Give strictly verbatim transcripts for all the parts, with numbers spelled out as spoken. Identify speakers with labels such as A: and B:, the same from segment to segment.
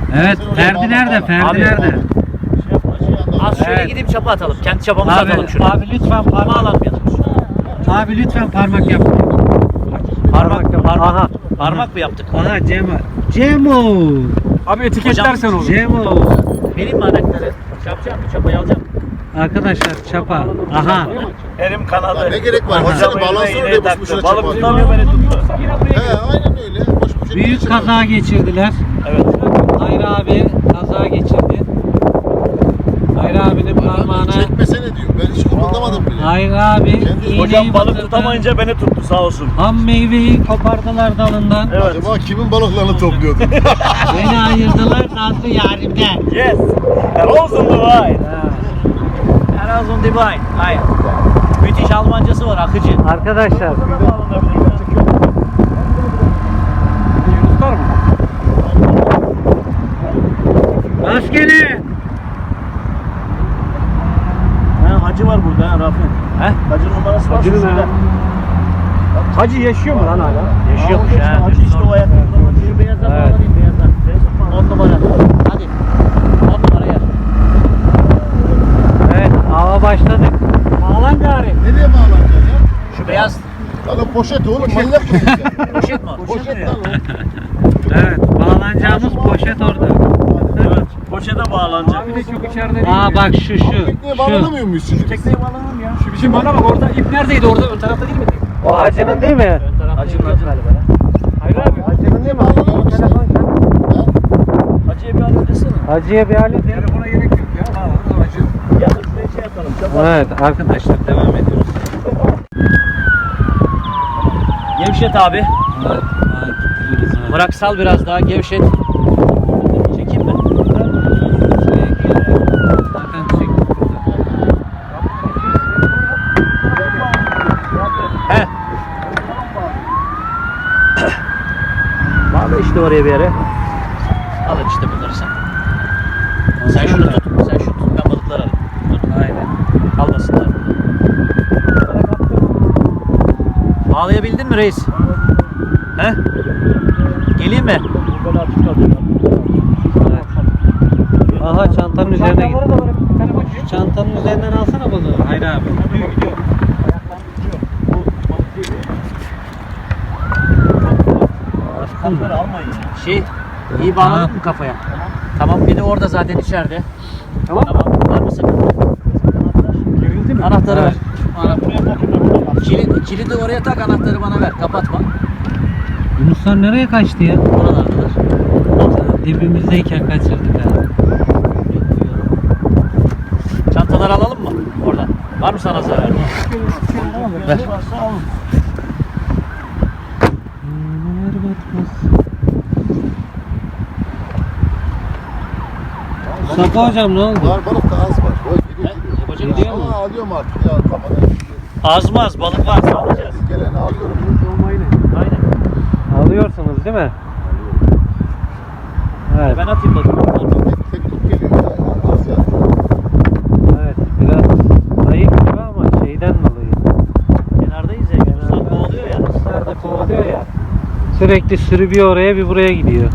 A: Evet, Ferdi nerede? Ferdi
B: Abi,
A: nerede?
B: Az şöyle
A: Evet.
B: gidip çapa atalım. Kendi çapamızı atalım
A: Abi,
B: şuraya.
A: abi lütfen parmak
B: Bağlanmayalım.
A: Abi lütfen parmak yap.
B: Parmak,
A: yap.
B: parmak,
A: Aha.
B: parmak mı yaptık?
A: Aha Cemo. Cemo.
C: Abi etiketlersen olur.
A: Cemo.
B: Vereyim mi anahtarı? Çapacağım mı? Çapayı alacağım.
A: Arkadaşlar çapa. Aha.
D: Elim kanadı.
E: Ne gerek var?
A: Aha.
E: Hocam bağlansın oraya boş boşuna
D: Balık
E: çapa.
D: tutamıyor, beni tuttu.
E: He aynen öyle. Boş boşuna
A: Büyük
E: çapa.
A: kaza geçirdiler.
D: Evet.
A: Hayri abi kaza geçirdi. Hayri abinin parmağına
E: Çekmesene diyor. Ben hiç kıpırdamadım bile.
A: Hayri abi iğneyi
D: Hocam balık
A: batırdı.
D: tutamayınca beni tuttu sağ olsun.
A: Ham meyveyi kopardılar dalından.
D: Evet.
E: Acaba kimin balıklarını topluyordu?
A: Beni ayırdılar Nazlı yarimden.
D: Yes. Rosen Divine.
B: Erasmus Divine. Hayır. Müthiş Almancası var, akıcı.
A: Arkadaşlar
C: Yunuslar mı?
A: maskeli.
D: Ha, hacı var burada ha Rafi.
B: He?
D: Hacı numarası var.
C: Hacı'nın
D: şurada.
C: ha. Hacı yaşıyor mu lan hala?
B: Yaşıyormuş
D: Aa,
B: ha.
D: Hacı işte o ayakta.
B: Şu beyaza
A: Evet.
B: bağlanayım, beyaza. On numara. Hadi. On numara yer.
A: Evet ava başladık.
C: Bağlan gari.
E: Nereye bağlanacaksın ya?
B: Şu beyaz
E: Lan o poşet oğlum manyak mısın sen?
B: poşet mi o?
E: Poşet lan o.
A: Evet bağlanacağımız poşet orada.
D: Evet. Poşete bağlanacak.
C: Abi de çok içeride değil.
A: Aa bak şu şu.
E: Tekneye
A: Şu.
E: bağlanamıyor muyuz şimdi?
D: Tekneye bağlanalım ya.
C: Şu bizim bana bak orada ip neredeydi orada ön tarafta değil mi?
A: O hacının değil mi?
B: Ön tarafta
D: Hacı'nın
B: yok
D: hacı.
B: galiba ya.
C: Hayır abi.
A: Hacının değil mi?
E: Bağlanalım işte.
D: Hacı'ya bir alıp desene.
A: Hacıya bir alet.
C: Telefona gerek yok ya. Bağlan hacı.
D: Ya da şuraya şey yapalım. Çapa.
A: Evet arkadaşlar devam ediyoruz.
B: Gevşet abi.
A: Evet. Aa, gittiriyoruz ha.
B: Bırak sal biraz daha gevşet. Çekeyim mi?
A: Zaten çektik burada.
B: He. Bağla işte oraya bir yere. Al işte bunları sen. Sen şunu tut. Sen şunu tut. Ben balıkları alayım. Dur.
A: Aynen.
B: Kalmasınlar. Bağlayabildin mi reis? He? Geleyim mi?
A: Evet. Aha çantanın üzerine git.
C: Çantaları da böyle bir tane bak.
A: Şu çantanın üzerinden alsana balığı. Hayır abi.
C: Gidiyor gidiyor.
D: Bunları almayın ya.
B: Şey, iyi bağladın mı kafaya? Tamam. Bir de orada zaten içeride.
C: Tamam.
B: Tamam. Var mı sakın?
C: Gerildi mi?
B: Anahtarı ver.
A: Evet.
D: Buraya bakın.
B: Kilit, kilidi oraya tak, anahtarı bana ver. Kapatma.
A: Yunuslar nereye kaçtı ya?
B: Oralardalar.
A: Dibimizdeyken kaçırdık ha.
B: Çantaları alalım mı? Oradan. Var mı sana zarar? Ver.
A: Mustafa hocam ne oldu?
E: Var balık da az var. Oy gidiyor gidiyor.
B: Yapacak
A: Gidiyor mu?
E: Ama alıyorum artık ya kafadan.
B: Azmaz, balık var. Alacağız.
E: Geleni alıyorum.
B: Aynen.
A: Alıyorsunuz değil mi? Evet.
B: Ben atayım balığı.
E: Tek, tek tut geliyor ya. Az ya.
A: Evet. Biraz zayıf gibi ama şeyden dolayı.
B: Kenardayız ya. Yunuslar kovalıyor ya.
A: Nerede kovalıyor ya. Sürekli sürü bir oraya bir buraya gidiyor.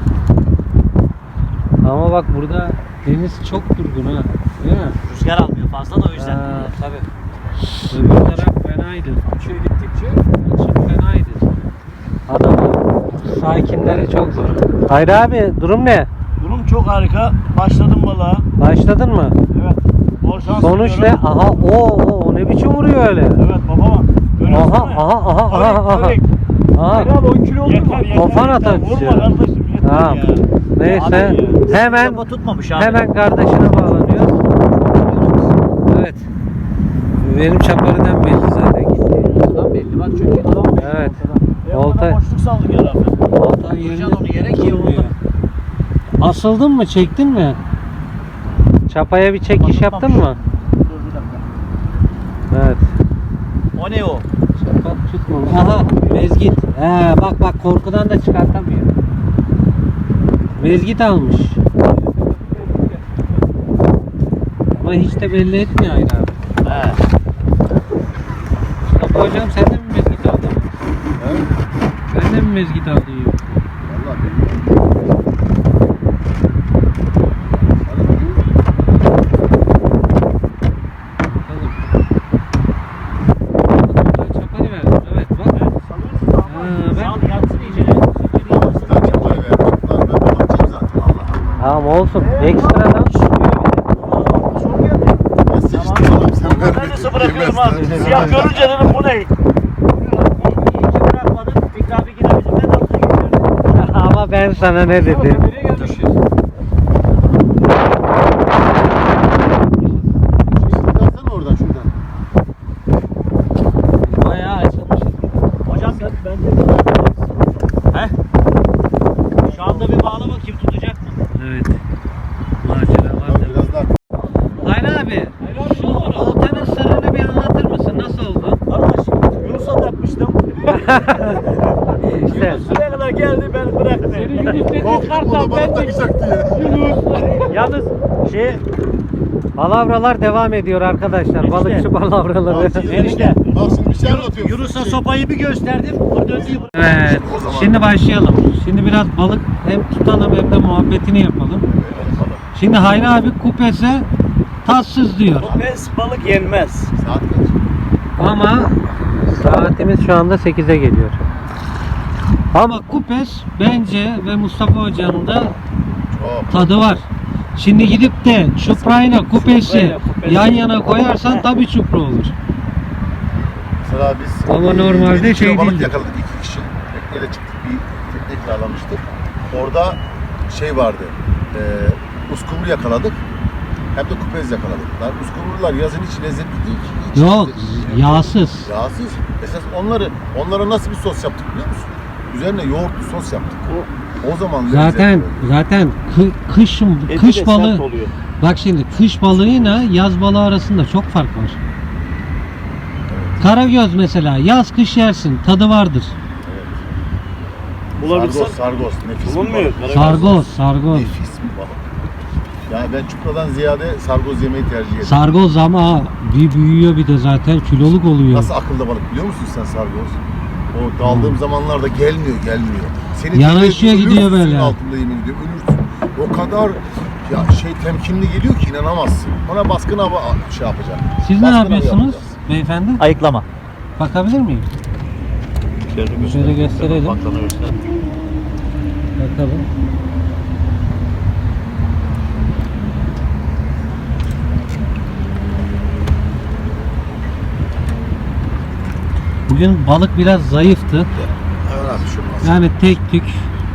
A: Ama bak burada deniz çok durgun ha. Değil mi?
B: Rüzgar almıyor fazla da o yüzden.
A: Ha, tabii. Öbür taraf fenaydı.
C: Şey gittikçe
A: Çok fenaydı. Adamın sakinleri çok zor. Hayır abi durum ne?
D: Durum çok harika. Başladım balığa.
A: Başladın mı?
D: Evet. Bol şans
A: Sonuç ne?
D: diliyorum.
A: Aha o o o ne biçim vuruyor öyle?
D: Evet baba. Görüyorsun
A: Aha
D: değil mi?
A: aha aha aha
D: Körek,
A: aha.
D: körek.
A: Aha.
C: Hayır abi on kilo oldu mu?
D: Yeter yeter.
A: Kafan
D: yeter.
A: atar
D: Vurma
A: bizi.
D: kardeşim yeter
A: Tamam.
D: ya.
A: Neyse
D: Abi ya.
A: hemen
B: Kafa tutmamış abi.
A: hemen kardeşine bağlanıyor. Evet. Benim çaparıdan belli zaten gitti.
B: Adam belli bak çünkü.
A: Evet.
D: E,
A: Olta-
D: orada boşluk saldık ya Rafi.
A: Oltan yerinde
B: Vuracaksın onu yere ki
A: durmuyor.
B: orada.
A: Asıldın mı? Çektin mi? Çapaya bir çekiş yaptın mı?
D: Dur bir dakika.
A: Evet.
B: O ne o?
A: Çapa tutmamış. Aha mezgit. He bak bak korkudan da çıkartamıyor. Mezgit almış. Ama hiç de belli etmiyor Aynen abi.
B: He.
A: Mustafa hocam sen de mi mezgit aldın?
E: He?
A: Sen de mi mezgit aldın?
E: Vallahi bilmiyorum.
A: Tamam olsun. Ekstradan
D: Çok geldi.
E: Ya sıçtın oğlum sen
D: Ben
E: vermedin.
D: nasıl bırakıyorum
E: Yemezler.
D: abi? Siyah görünce dedim bu ne? İyice bırakmadım. Fikri abi yine bizimle dalga geçiyordu.
A: ama ben sana ne dedim?
C: Nereye gelmişiz?
E: Çıkarsana oradan şuradan.
A: Bayağı açılmış.
D: Hocam ben, ben de... He? Şu anda bir bağla bakayım tutacak mı?
A: Evet. Macera var
E: Tamam,
A: da.
E: biraz daha.
A: Hayri abi, şu oltanın sırrını bir anlatır mısın? Nasıl oldu?
D: Arkadaş Yunus'a takmıştım.
A: İşte.
D: Yunus şuraya kadar geldi ben bıraktım.
C: Senin Yunus dediğin
E: Korktum o da
C: kartal
E: bana
C: ben de.
E: takacaktı ya.
D: Yalnız şey
A: Palavralar devam ediyor arkadaşlar. Balıkçı palavraları.
D: enişte
E: Bak şimdi bir şey anlatıyorum.
D: Yunus'a
E: Şey-
D: sopayı bir gösterdim. O döndü.
A: Evet. Şimdi başlayalım. Şimdi biraz balık hem tutalım hem de muhabbetini yapalım. Şimdi Hayri abi kupese tatsız diyor.
D: Pes balık yenmez.
E: Saat kaç?
A: Ama saatimiz şu anda sekize geliyor. Ama kupes bence ve Mustafa Hoca'nın da
E: Çok.
A: tadı var. Şimdi gidip de çuprayla kupesi
D: Çuprayla kupesi.
A: yan yana koyarsan tabii çupra olur.
E: Mesela biz
A: Ama
E: e,
A: normalde
E: yedi kilo
A: şey
E: balık
A: değildi.
E: yakaladık iki kişi. Tekneyle çıktık, bir tekne kiralamıştık. Orada şey vardı. E, uskumru yakaladık. Hem de kupez yakaladık. Lan uskumrular yazın hiç lezzetli değil ki. Hiç
A: Yok,
E: lezzetli değil.
A: yağsız.
E: Yağsız. Esas onları onlara nasıl bir sos yaptık biliyor musun? Üzerine yoğurtlu sos yaptık. O zaman
A: Zaten
E: lezzetli.
A: zaten kı, kış
D: Eti de
A: kış
D: sert
A: balığı.
D: oluyor.
A: Bak şimdi kış balığıyla yaz balığı arasında çok fark var. Karagöz mesela yaz kış yersin, tadı vardır.
D: Bulabilirsen
E: Sargos, sargos. Nefis bir
D: bulunmuyor.
E: balık.
A: Sargoz, sargoz.
E: Nefis bir balık. Yani ben çupradan ziyade sargoz yemeyi tercih ederim.
A: Sargoz ama bir büyüyor bir de zaten kiloluk oluyor.
E: Nasıl akılda balık biliyor musun sen sargoz? O daldığım zamanlarda gelmiyor, gelmiyor. Seni
A: Yanaşıyor,
E: dinleyip
A: gidiyor
E: ölürsün
A: böyle.
E: altında yemin ediyorum, ölürsün. O kadar ya şey temkinli geliyor ki inanamazsın. Ona baskın hava şey yapacak.
A: Siz ne
E: Baskın hava
A: yapıyorsunuz
E: yapacağız.
A: beyefendi?
B: Ayıklama.
A: Bakabilir miyim? Şöyle gösterelim.
B: Baklana göster.
A: Bakalım. Bugün balık biraz zayıftı.
E: Evet abi şu olmaz.
A: Yani tek tük.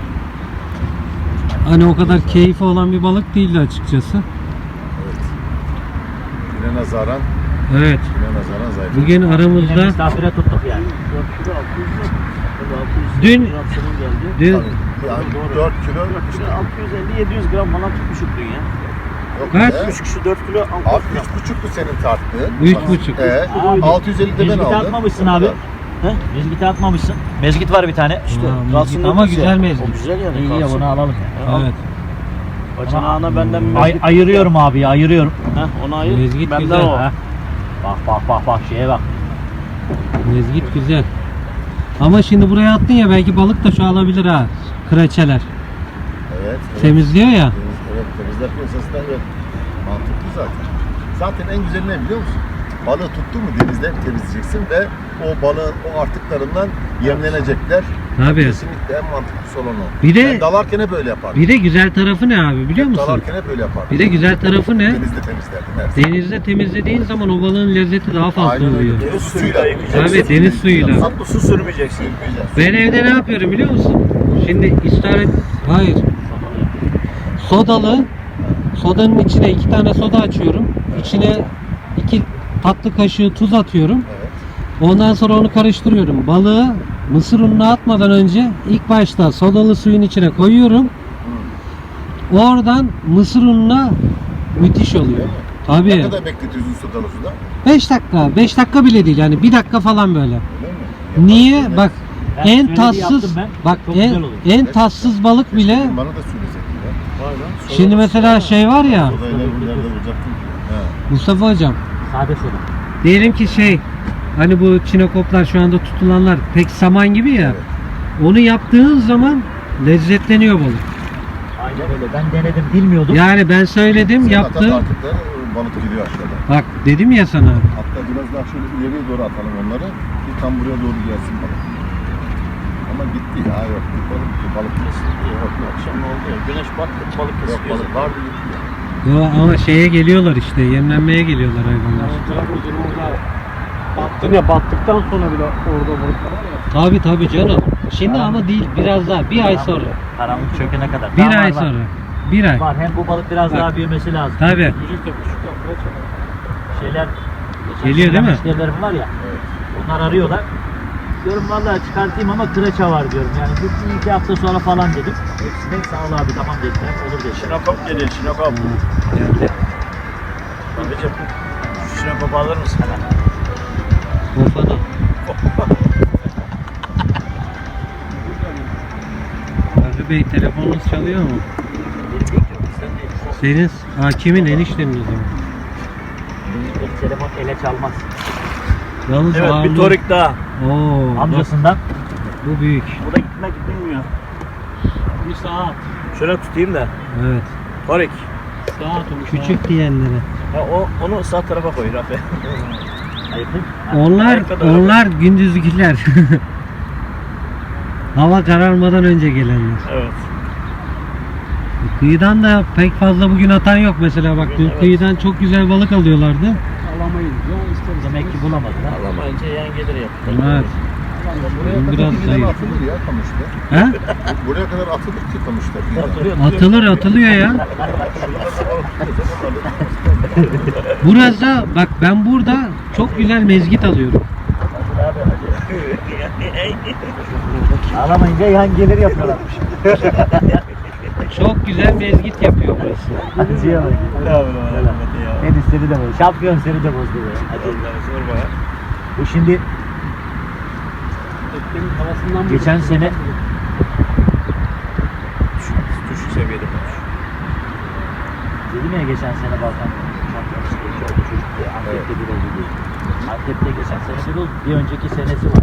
A: Hani o kadar keyfi olan bir balık değildi açıkçası.
E: Evet. Güne nazaran,
A: Evet.
E: güne nazaran zayıf.
A: Bugün
D: Yine
A: aramızda
D: misafire tuttuk yani. dört kilo altı yüz lira. altı yüz
A: Dün-
D: gram senin geldi.
A: dün
E: Tabii. Yani dört kilo işte.
D: altı yüz elli yedi yüz gram falan tutmuşuk dün ya.
E: Yok
A: Kaç?
E: be.
D: üç kişi dört kilo altı
E: Abi
D: yüz gram.
E: üç buçuktu senin tarttığın.
A: Üç buçuk.
E: Ee,
D: Abi,
E: altı yüz elli de ben
B: Mezgit
E: aldım.
B: atmamışsın
E: O
B: abi.
E: kadar.
D: He?
B: Mezgit atmamışsın. Mezgit var bir tane.
D: İşte
A: Ha,
D: kalsın
A: mezgit
D: dedik
A: ama
D: ya.
A: güzel mezgit.
D: O güzel yani.
B: İyi ya
D: kalsın.
B: bunu alalım.
A: Evet.
D: Bacanağına benden bir
B: Ay,
D: mezgit.
B: ayırıyorum abi ayırıyorum.
D: Heh, onu ayır.
A: Mezgit
D: benden
A: güzel.
D: o.
B: Ha. Bak bak bak bak şeye bak.
A: Mezgit güzel. Ama şimdi buraya attın ya belki balık da çoğalabilir ha. Kreçeler.
E: Evet. evet.
A: Temizliyor ya.
E: Temiz- Evet, temizler piyasasında evet. Mantıklı zaten. Zaten en güzeli ne biliyor musun? Balığı tuttun mu denizde temizleyeceksin ve o balığın o artıklarından yemlenecekler.
A: Tabii.
E: Kesinlikle en mantıklısı olan o.
A: Bir de-
E: Ben dalarken hep böyle yapardım.
A: Bir de güzel tarafı ne abi biliyor
E: Hep
A: musun?
E: Dalarken hep böyle yapardım.
A: Bir de güzel tarafı ne?
E: Denizde temizlerdim her zaman.
A: Denizde temizlediğin zaman o balığın lezzeti daha fazla
E: Aynen
A: oluyor.
E: öyle. Deniz suyuyla
A: Tabii, deniz suyuyla.
D: Tatlı su sürmeyeceksin.
A: Ben evde ne yapıyorum biliyor musun? Şimdi istaret... Hayır. Sodalı. Sodanın içine iki tane soda açıyorum. İçine iki tatlı kaşığı tuz atıyorum.
E: Evet.
A: Ondan sonra onu karıştırıyorum. Balığı mısır ununa atmadan önce ilk başta sodalı suyun içine koyuyorum. Oradan mısır ununa müthiş oluyor.
E: Değil mi? Ne
A: Tabii.
E: kadar bekletiyorsun sodalı suda?
A: beş dakika. beş dakika bile değil yani bir dakika falan böyle.
E: Öyle mi?
A: Niye?
E: Yaparsın,
A: Bak
B: Ben
A: en
B: söylediği
A: tatsız
B: yaptım ben.
A: bak
B: Çok
A: en,
B: güzel olur.
A: en tatsız balık
E: Keşke
A: bile
E: Bana da söyleseydin ya.
A: şimdi mesela şey var ya
E: Sodayla nerede bulacaktın ki? He.
A: Mustafa hocam
B: Sade soda.
A: diyelim ki şey hani bu çinekoplar şu anda tutulanlar pek saman gibi ya
E: Evet.
A: onu yaptığın zaman lezzetleniyor balık.
B: Aynen öyle. Ben denedim bilmiyordum.
A: Yani ben söyledim
E: Sen
A: yaptı.
E: atat artık da balık gidiyor aşağıda.
A: Bak dedim ya sana.
E: Hatta biraz daha şöyle ileriye doğru atalım onları. Ki tam buraya doğru gelsin balık. Ama gitti ya yok. Balık, balık
B: Kesinlikle yok. Akşam ne oldu ya? Güneş battı, balık
E: yok.
B: kesiyor.
E: Balık vardı gitti ya.
A: Yo, ama şeye geliyorlar işte, yemlenmeye geliyorlar hayvanlar.
C: Trabzon orada battın ya, battıktan sonra bile orada balıklar var ya.
A: Tabi tabi canım. Şimdi ama değil, biraz daha, bir ay sonra.
B: Karanlık çökene kadar.
A: Bir
B: Daha
A: ay
B: var, var.
A: sonra. Bir ay.
B: Var. Hem bu balık biraz
A: Bak.
B: daha büyümesi lazım.
A: Tabi.
C: Büyük de küçük de kaç var.
B: Şeyler
A: Geliyor değil mi?
B: müşterilerim var ya. Onlar arıyorlar. Diyorum vallahi çıkartayım ama kıraça var diyorum. Yani bir iki hafta sonra falan dedim. Hepsine sağ ol abi tamam dediler. Olur dediler.
D: Şinokop geliyor, şinokop.
A: Geldi.
D: Babacım, şu şinokopu alır mısın?
A: Kofana. Fahri Bey, telefonunuz çalıyor mu?
B: Benim değil ki, sen değil.
A: Senin, ha kimin, eniştemin o zaman.
B: Benim telefon ele çalmaz.
A: Yalnız
D: Evet, bir
A: ağırlığı-
D: torik daha.
A: Oo, bak,
B: Amcasından.
A: bu büyük.
D: Bu da gitmek bilmiyor.
C: Bir saat.
D: Şöyle tutayım da.
A: Evet.
D: Torik.
C: Saat olmuş.
A: Küçük diyenlere.
D: Ya o, onu sağ tarafa koy Rafi.
B: Ayıptı.
A: Onlar,
D: Arkada.
A: onlar gündüzgüler. Hava kararmadan önce gelenler.
D: Evet.
A: Kıyıdan da pek fazla bugün atan yok mesela, bak dün
D: Evet.
A: kıyıdan çok güzel balık alıyorlardı.
C: Alamayız. Ya isteriz.
B: Demek ki bulamadılar.
D: Alamayınca yan gelir ya.
A: Evet.
E: Buraya
A: Biraz
E: kadar bir
A: zayıf.
E: tane atılır ya kamışta.
A: He?
E: Buraya kadar atılır ki kamışta.
B: Atılıyor.
A: Atılır atılıyor ya. Burası bak, ben burada çok güzel mezgit alıyorum.
B: Ağlamayınca yan gelir yapıyorlarmış.
A: Çok güzel mezgit yapıyor burası.
B: Acıya bak.
D: Ne yapalım Ahmet ya?
B: En istedi de bozdu. Şampiyon seni de bozdu be. Hadi.
D: Allah'ım sorma ya.
B: Bu şimdi
C: Ekmeğin havasından mı?
B: geçen sene
D: Düşük seviyede konuş.
B: dedim ya geçen sene Balkan şampiyonası geçiyor oldu çocuk diye. Antep'te bir oldu diye. Antep'te geçen sene bir oldu. Bir önceki senesi var.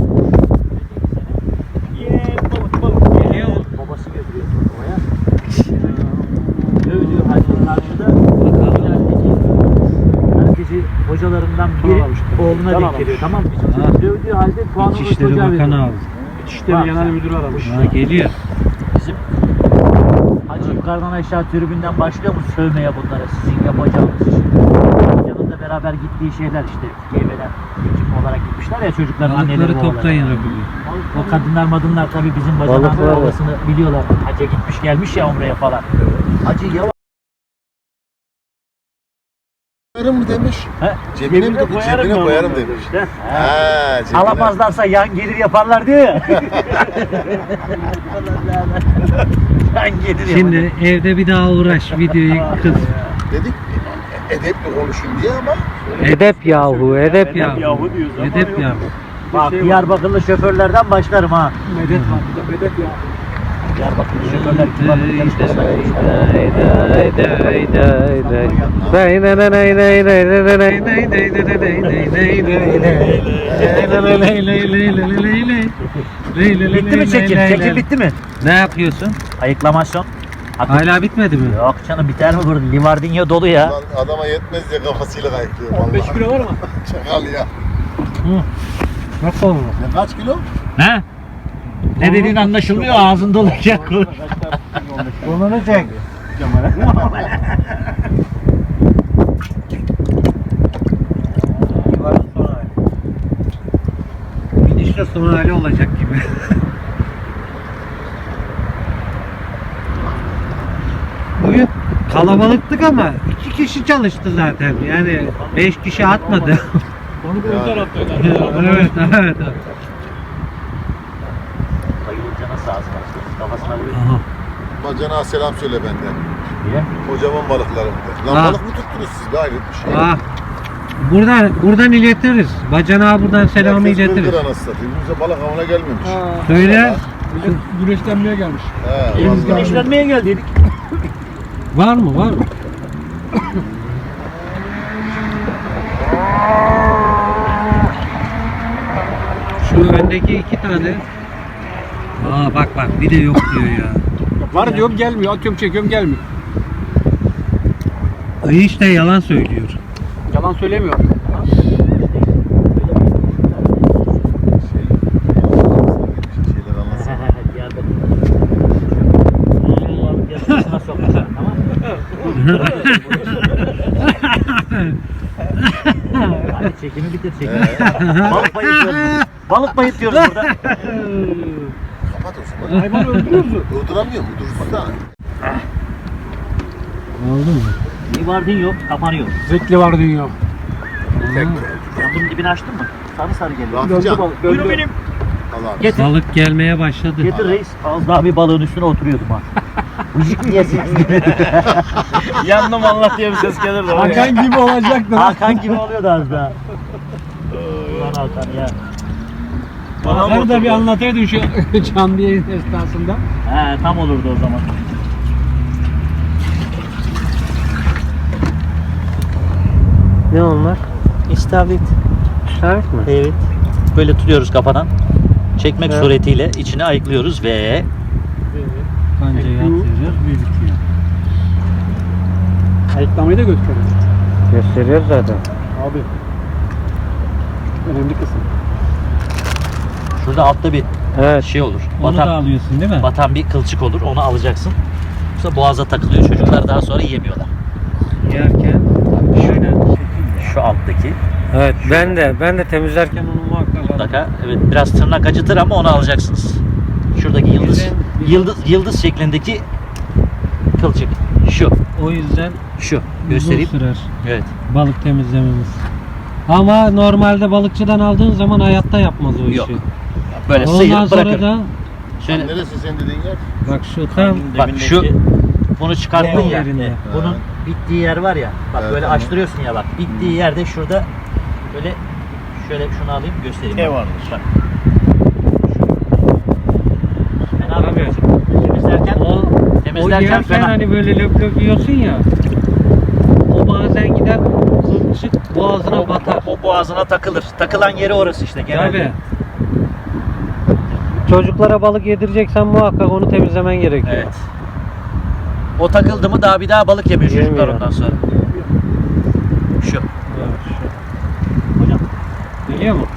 D: Yeee balık balık.
A: Geliyor mu?
B: Babası götürüyor turnuvaya. Övdüğü halde karşıda ilerideki herkesi hocalarından biri oğluna
C: Can
B: denk
C: aramış.
B: geliyor, tamam mı?
A: Ha.
B: Dövdüğü halde puanı o
A: İçişleri
B: çocuğa
A: Bakanı
B: veriyor.
A: aldı.
C: İçişleri Genel Müdürü aramış.
A: Ha, geliyor.
B: Bizim hacı yukarıdan aşağı tribünden başlıyor mu sövmeye bunlara, sizin yapacağınız iş. Yanında beraber gittiği şeyler işte Geyve'den ekip olarak gitmişler ya çocukların anneleri
A: Balıkları
B: babaları.
A: toplayın Rabbim.
B: O kadınlar madınlar tabii bizim bacanağın
A: Balıklar var.
B: babasını biliyorlar. Hacı gitmiş gelmiş ya umreye falan. Hacı yavaş.
E: Koyarım mı demiş.
B: He?
E: Cebine mi demiş? Cebine
D: ben
E: koyarım
D: onu
E: demiş.
B: İşte.
E: Ha, cebine.
B: Alamazlarsa yan gelir yaparlar diyor ya. Yan gelir
A: Şimdi
B: yaparlar.
A: evde bir daha uğraş, videoyu kız.
E: Dedik e- edepli konuşun diye ama
A: Edep yahu, edep
D: Edep
A: yahu.
D: yahu diyoruz ama
A: Edep
D: yok.
A: yahu.
B: Bak
C: şey var.
B: Diyarbakırlı şoförlerden başlarım ha.
C: Medet var. Bir de medet ya.
B: Diyarbakırlı şoförler kibarlık yarışmasına Bitti mi çekim? Çekim bitti mi?
A: Ne yapıyorsun?
B: Ayıklamasyon.
A: Hala bitmedi mi?
B: Yok canım biter mi burada? Livardinho dolu ya.
E: lan adama yetmez diye kafasıyla kayıklıyor.
C: on beş
E: vallahi.
C: kilo var mı?
E: Çakal ya.
A: Nasıl oldu?
E: Ne kaç kilo?
B: He? Ne dediğin anlaşılmıyor, ağzın doluyken konuş. Burnunu çek.
A: Gidişle son hali olacak gibi. Bugün kalabalıktık ama iki kişi çalıştı zaten. Yani beş kişi atmadı.
C: Onu bu
E: Ya.
C: taraftaydı.
A: Evet, evet.
B: Bayılınca nasıl ağzına açtı? Kafasına vuruyor.
A: Aha.
E: Bacana selam söyle benden.
B: Niye?
E: Kocaman balıklarım de. Lan
A: Ha.
E: balık mı tuttunuz siz? Gayret bir şey.
A: Ah. Buradan buradan iletiriz. Bacanağa buradan selamı
E: Herkes
A: iletiriz.
E: kırdır anasını satayım. Bize balık avına gelmemiş.
C: Ha.
A: Söyle.
C: Millet güneşlenmeye gelmiş.
E: He,
C: Deniz
E: vallahi.
B: Güneşlenmeye geldiydik.
A: Var mı? Var mı? Şu öndeki iki tane. Aa bak bak, bir de yok diyor ya.
C: Var diyorum gelmiyor. Atıyorum çekiyorum gelmiyor.
A: Ayı işte yalan söylüyor.
C: Yalan söylemiyor.
E: Şey, şeyler
B: sokmasın, tamam mı? Hadi çekimi bitir çekimi. Balık bayıtıyoruz. Balık bayıtıyoruz burada.
E: Kapat o zaman.
C: Hayvan öldürüyor musun?
E: Durduramıyor mu? Dursa.
A: Oldu mu?
B: Bir vardın yok, kapanıyor.
C: Zevkli var dünya.
E: Tek.
B: Sen bunun dibini açtın mı? Sarı sarı geliyor.
E: Rafican.
B: Buyurun benim.
E: Allah.
B: Getir.
A: Balık gelmeye başladı.
B: Getir reis. Az daha bir balığın üstüne oturuyordum ha. Vıcık diye ses
D: Yandım Allah diye bir ses gelirdi.
C: Hakan gibi olacaktı.
B: Hakan gibi oluyordu az daha. Ulan Hakan ya.
C: Hakan'ı da bir anlataydın şu canlı yayın esnasında.
B: He tam olurdu o zaman.
A: Ne onlar?
B: İstavrit.
A: İstavrit mi?
B: Evet. Böyle tutuyoruz kafadan. Çekmek
A: Evet.
B: suretiyle içine ayıklıyoruz ve
A: Kancayı atıyoruz, büyütüyor.
C: Ayıklamayı da gösteriyor.
A: Gösteriyor zaten.
C: Abi. Önemli kısım.
B: şurada altta bir
A: Evet.
B: şey olur.
A: Onu da
B: Batan,
A: alıyorsun değil mi?
B: batan bir kılçık olur. Onu alacaksın. Yoksa boğaza takılıyor. Çocuklar daha sonra yemiyorlar.
A: Yerken şöyle.
B: Şu alttaki
A: Evet, ben de ben de temizlerken onu muhakkak alıyorum.
B: mutlaka evet biraz tırnak acıtır ama onu alacaksınız. Şuradaki yıldız
A: Bizden-
B: yıldız yıldız şeklindeki kılçık. Şu.
A: O yüzden
B: Şu.
A: uzun
B: Göstereyim.
A: sürer
B: Evet.
A: balık temizlememiz. Ama normalde balıkçıdan aldığın zaman hayatta yapmaz o işi.
B: Yok. Böyle
A: Ondan
B: sıyırıp
A: sonra
B: bırakır.
A: da
B: Şöyle
E: Neresi sen dediğin yer?
A: bak şu tam
B: bak şu bunu çıkarttın
A: Tam
B: ya.
A: yerinde.
B: Bunun bittiği yer var ya. Bak
E: Evet,
B: böyle
E: tamam.
B: açtırıyorsun ya bak. Bittiği yerde şurada böyle şöyle şunu alayım göstereyim.
D: Ne
B: Bak.
D: varmış?
B: Bak. Ben abi
A: Tabii.
B: temizlerken
A: o o
B: temizlerken
A: yerken
B: fena.
A: hani böyle löp löp yiyorsun ya. O bazen gider kılçık boğazına batar.
B: O boğazına takılır. Takılan yeri orası işte genelde.
A: Tabii. Çocuklara balık yedireceksen muhakkak onu temizlemen gerekiyor.
B: Evet. O takıldı mı daha bir daha balık yemiyor çocuklar
A: Yemiyor.
B: ondan sonra. Şu.
A: Evet, şu.
B: Hocam.
A: Geliyor mu?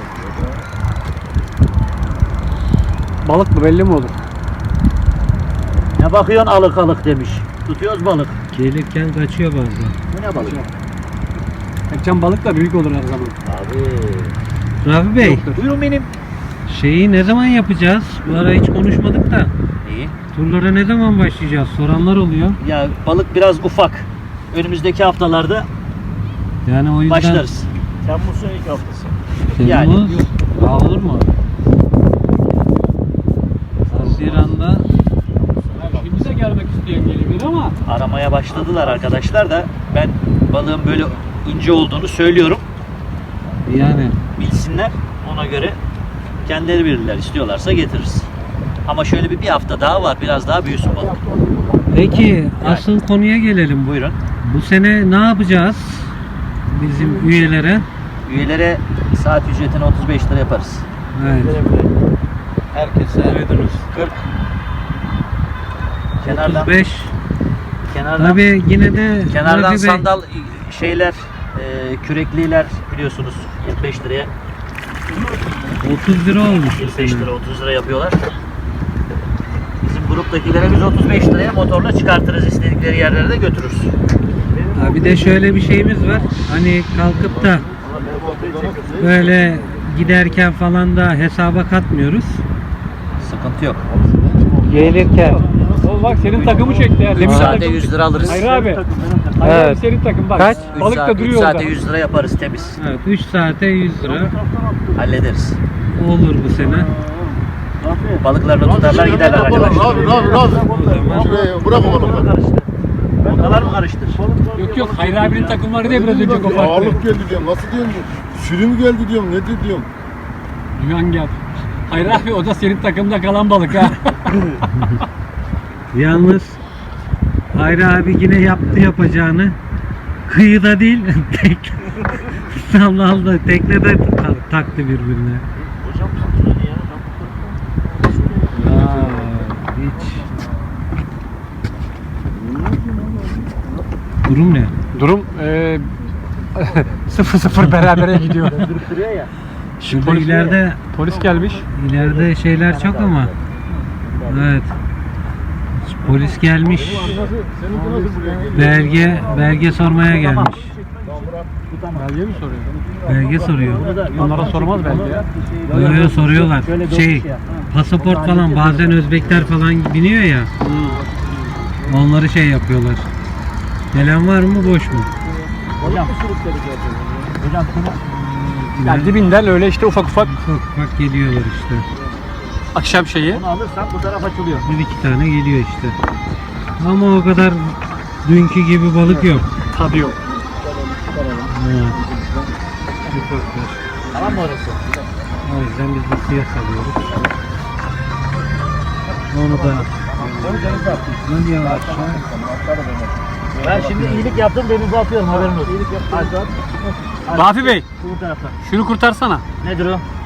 C: Balık mı belli mi olur?
B: Ne bakıyorsun alık alık demiş. Tutuyoruz balık.
A: Gelirken kaçıyor bazen.
B: Bu ne balık?
C: Kaçan balık da büyük olur her zaman.
B: Abi.
A: Rafi Bey,
B: Buyurun benim.
A: şeyi ne zaman yapacağız? Bu ara hiç konuşmadık da.
B: İyi.
A: Turlara ne zaman başlayacağız? Soranlar oluyor.
B: Ya balık biraz ufak. Önümüzdeki haftalarda
A: Yani o yüzden
B: başlarız.
D: Temmuz'un ilk haftası.
B: Yani.
A: Temmuz, Aa, olur mu? Haziran'da
C: Şimdi de gelmek isteyen gelebilir ama
B: Aramaya başladılar arkadaşlar da ben balığın böyle ince olduğunu söylüyorum.
A: yani
B: Bilsinler. Ona göre kendileri bilirler. İstiyorlarsa getiririz. Ama şöyle bir, bir hafta daha var. Biraz daha büyüsün balık.
A: peki asıl konuya gelelim.
B: Buyurun.
A: Bu sene ne yapacağız? Bizim üyelere.
B: Üyelere saat ücretini otuz beş lira yaparız.
A: Evet.
D: Herkese
A: Duydunuz.
D: kırk.
B: Kenardan
A: otuz beş.
B: kenardan
A: Tabii yine de
B: kenardan
A: Rafi Bey,
B: sandal şeyler, e, kürekliler biliyorsunuz yirmi beş liraya
A: otuz lira olmuş bu
B: yirmi beş
A: sene.
B: lira otuz lira yapıyorlar. Bizim gruptakilere biz otuz beş liraya motorla çıkartırız, istedikleri yerlere de götürürüz.
A: Ha, bir de şöyle bir şeyimiz var. Hani kalkıp da böyle giderken falan da hesaba katmıyoruz.
B: Sıkıntı yok.
A: Gelirken.
C: o bak senin takımı çekti ya.
B: üç
C: Demin
B: saate
C: takım-
B: yüz lira alırız.
C: Hayır abi. Hayır
A: Evet.
C: abi senin takım bak.
A: Kaç?
B: üç
C: Balık
B: saat,
C: da
B: üç
C: duruyor
B: saate
C: orada.
B: yüz lira yaparız temiz.
A: Evet, üç saate yüz lira
B: Hallederiz.
A: olur bu sene.
B: Balıklarını tutarlar giderler
E: Rabi,
B: arkadaşlar.
E: Rabi, Rabi, Rabi. Şuraya bırak o balıkları.
B: Ortalar mı karıştır?
C: Yok yok Hayri abinin takımları diye biraz önce koparttı.
E: Ağırlık geldi diyorum. Nasıl diyorum bu? Sürüm geldi diyorum. Nedir diyorum.
C: Duyan gel. Hayri abi o da senin takımda kalan balık ha.
A: Yalnız Hayri abi yine yaptı yapacağını. Kıyıda değil, tek sallalda, teknede ta- taktı birbirine.
B: Hocam tutuyor ya.
A: Aa, hiç. Durum ne?
C: Durum eee sıfır sıfır berabere gidiyor.
B: Duruyor ya.
A: Şurada
C: Polis-
A: ileride
C: Polis gelmiş.
A: ileride şeyler çok ama. Evet. Polis gelmiş. Belge belge sormaya gelmiş.
C: Belge mi soruyor?
A: Belge soruyor.
C: Onlara sormaz belki ya.
A: Yo yo soruyorlar.
B: Şöyle bir
A: Şey,
B: olmuş ya.
A: pasaport falan bazen Özbekler falan biniyor ya. Onları şey yapıyorlar. Gelen var mı boş mu?
B: Hocam. Hocam şunu
C: Yani dibinden öyle işte ufak ufak
A: Ufak ufak geliyorlar işte.
C: akşam şeyi.
B: bunu alırsan bu taraf açılıyor.
A: Bir iki tane geliyor işte. Ama o kadar dünkü gibi balık yok.
C: Tadı yok.
A: Evet.
B: Tamam mı orası?
A: O yüzden biz de suya salıyoruz. Onu da ne diyorlar?
B: Ben şimdi iyilik yaptım denize atıyorum haberin olsun. İyilik yaptım.
C: Rafi Bey,
B: Bu taraftan.
C: şunu kurtarsana.
B: Nedir o?